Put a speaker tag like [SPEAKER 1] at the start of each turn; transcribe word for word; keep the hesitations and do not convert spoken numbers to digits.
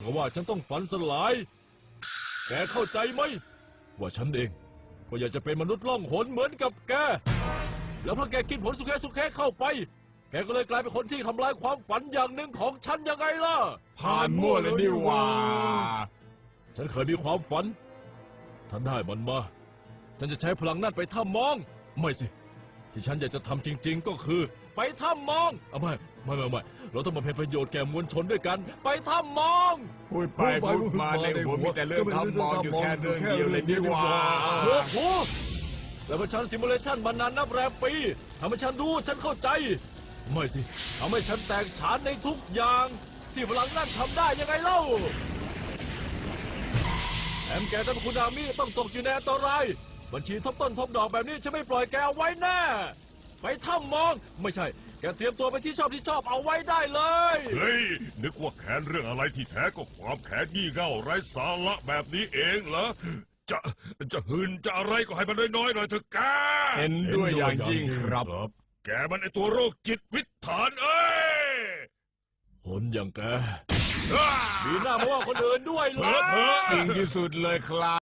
[SPEAKER 1] กับว่าฉันต้องฝันสลายแกเข้าใจไหมว่าฉันเองก็อยากจะเป็นมนุษย์ล่องหนเหมือนกับแกแล้วพอแกกินผลสุแคสุแคเข้าไปแกก็เลยกลายเป็นคนที่ทำลายความฝันอย่างหนึ่งของฉันยังไงล่ะ
[SPEAKER 2] ผ่านมั่วเลยนี่ว่า
[SPEAKER 1] ฉันเคยมีความฝันถ้าได้มันมาฉันจะใช้พลังนั่นไปถ้ำมองไม่สิที่ฉันอยากจะทำจริงๆก็คือไปถ้ำมองเอาไม่ไม่ไม่ไม่เราต้องมาเป็นประโยชน์แก่มวลชนด้วยกันไปถ้ำมอง
[SPEAKER 2] พูดไปพูดมาในหัวมีแต่เรื่องถ้ำมองอยู่แค่เรื่องเดียวเลยนี่ว่า
[SPEAKER 1] โอ้โหแล้วพอฉันซิมูเลชันมานานนับแรมปีทำให้ฉันรู้ฉันเข้าใจไม่สิทำให้ฉันแตกฉานในทุกอย่างที่พลังนั่นทำได้ยังไงเล่าแถมแกกับคุณอามิต้องตกอยู่ในอันตรายบัญชีทบต้นทบดอกแบบนี้ฉันไม่ปล่อยแกเอาไว้แน่ไปถ้ำมองไม่ใช่แกเตรียมตัวไปที่ชอบที่ชอบเอาไว้ได้เลย
[SPEAKER 3] เฮ้ยนึกว่าแค้นเรื่องอะไรที่แท้ก็ความแค้นยี่เง่าไร้สาระแบบนี้เองเหรอจะจะหืนจะอะไรก็ให้มันน้อยๆหน่อยเถอะแก
[SPEAKER 2] เห็นด้วยอย่างยิ่งครับ
[SPEAKER 3] แกมันไอตัวโรคจิตวิถานเอ้ย
[SPEAKER 1] คนอย่างแกมีหน้ามาว่าคนอื่นด้วยเหรอ
[SPEAKER 2] จริงที่สุดเลยครับ